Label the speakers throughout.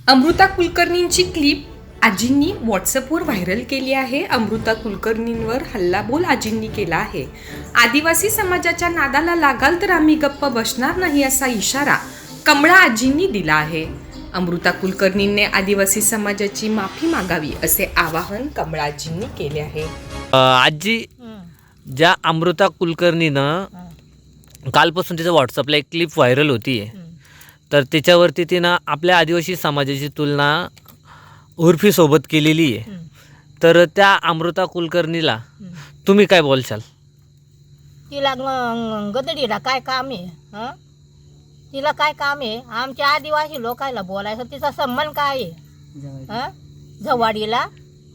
Speaker 1: Amruta कुलकर्णींची clip आजींनी व्हॉट्सअपवर viral केली आहे. अमृता कुलकर्णींवर हल्लाबोल आजींनी केला आहे. आदिवासी समाजाच्या नादाला लागाल तर आम्ही गप्प बसणार नाही असा इशारा कमळा आजींनी दिला आहे. अमृता कुलकर्णींनी आदिवासी समाजाची माफी मागावी असे आवाहन कमळा आजींनी केले आहे.
Speaker 2: आजी, ज्या अमृता कुलकर्णीनं कालपासून तिचं व्हॉट्सअपला एक क्लिप व्हायरल होती आहे, तर त्याच्यावरती तिनं आपल्या आदिवासी समाजाची तुलना उर्फीसोबत केलेली आहे. तर त्या अमृता कुलकर्णीला तुम्ही काय बोलशाल?
Speaker 3: तिला गदडीला काय काम आहे? हं? तिला काय काम आहे? आमच्या आदिवासी लोकांना बोलायचं तिचा संबंध काय आहे? हं? झवाडीला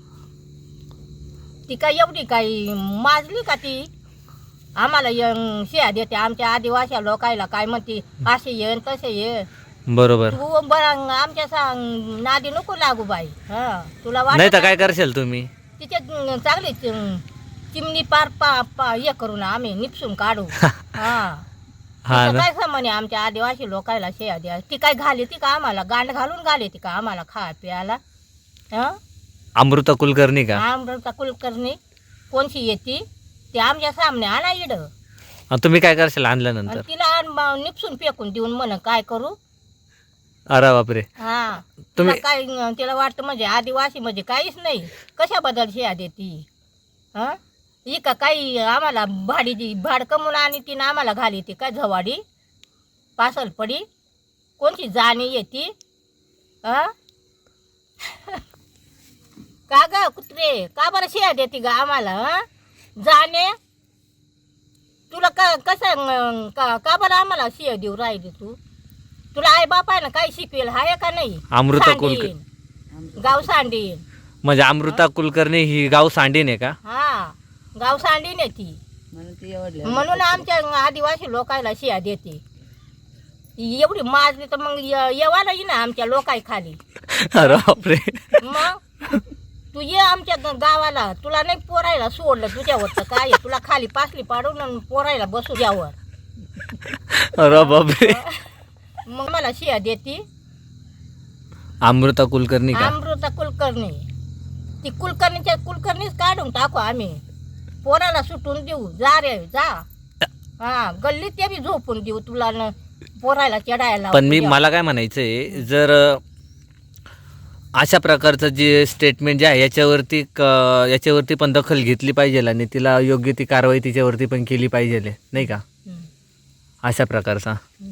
Speaker 3: ती काय एवढी काही माजली का ती? आम्हाला शिया देते आमच्या आदिवासी लोकांना, काय म्हणते असे ये तसे ये.
Speaker 2: बरोबर.
Speaker 3: तू बरं आमच्या सांग नादी नको लागू बाई. तुला
Speaker 2: नाही तर
Speaker 3: वाटत
Speaker 2: काय करशाल तुम्ही?
Speaker 3: तिचे चांगली चिमणी पार हे करून आम्ही निपसून काढू.
Speaker 2: हा ना.
Speaker 3: काय म्हणे आमच्या आदिवासी लोकांना शेया द्या. ती काय घाली ती का आम्हाला? गांड घालून घाली ती का आम्हाला खा प्यायला?
Speaker 2: अमृता कुलकर्णी का?
Speaker 3: अमृता कुलकर्णी कोणची येते ती आमच्या सामने आणा इड.
Speaker 2: तुम्ही काय करशाल आणल्यानंतर?
Speaker 3: तिला निपसून फेकून देऊन म्हण काय करू?
Speaker 2: अरे बापरे.
Speaker 3: तुला काय तिला वाटतं म्हणजे आदिवासी म्हणजे काहीच नाही, कशाबद्दल शिया देती? ही का काही आम्हाला भाड कमवून आणि तिनं आम्हाला घाली ती काय झवाडी पासल पडी? कोणची जाणी येते? का ग कुत्रे, का बरं शिया देते ग आम्हाला? जाणे तुला कसं का बरं आम्हाला शिया देऊ राहिली तू? तुला आई बापायनं काही शिकवेल हाय का नाही?
Speaker 2: अमृता कुलकर्णी
Speaker 3: गाव सांडीन
Speaker 2: म्हणजे अमृता कुलकर्णी ही गाव सांडीन आहे का?
Speaker 3: गाव सांडीन आहे ती, म्हणून आमच्या आदिवासी लोकांना शिया देते. एवढी माजली तर मग येवा नाही ना आमच्या लोकाय खाली.
Speaker 2: अरे बापरे.
Speaker 3: मग तू ये आमच्या गावाला, तुला नाही पोरायला सोडलं तुझ्यावर तर काय तुला खाली पासली पाडून पोरायला बसू द्यावर.
Speaker 2: अरे बापरे.
Speaker 3: मग मला शिया देती
Speaker 2: अमृता कुलकर्णी का?
Speaker 3: अमृता कुलकर्णी. ती कुलकर्णीच काढून टाकू आम्ही, पोराला सुटून देऊ. जा रे जा. गल्लीत ते बी झोपून देऊ तुला पोरायला चढायला.
Speaker 2: पण मला काय म्हणायचंय, जर अशा प्रकारचं जे स्टेटमेंट जे आहे याच्यावरती पण दखल घेतली पाहिजे आणि तिला योग्य ती कारवाई तिच्यावरती पण केली पाहिजे, नाही का? अशा प्रकारचा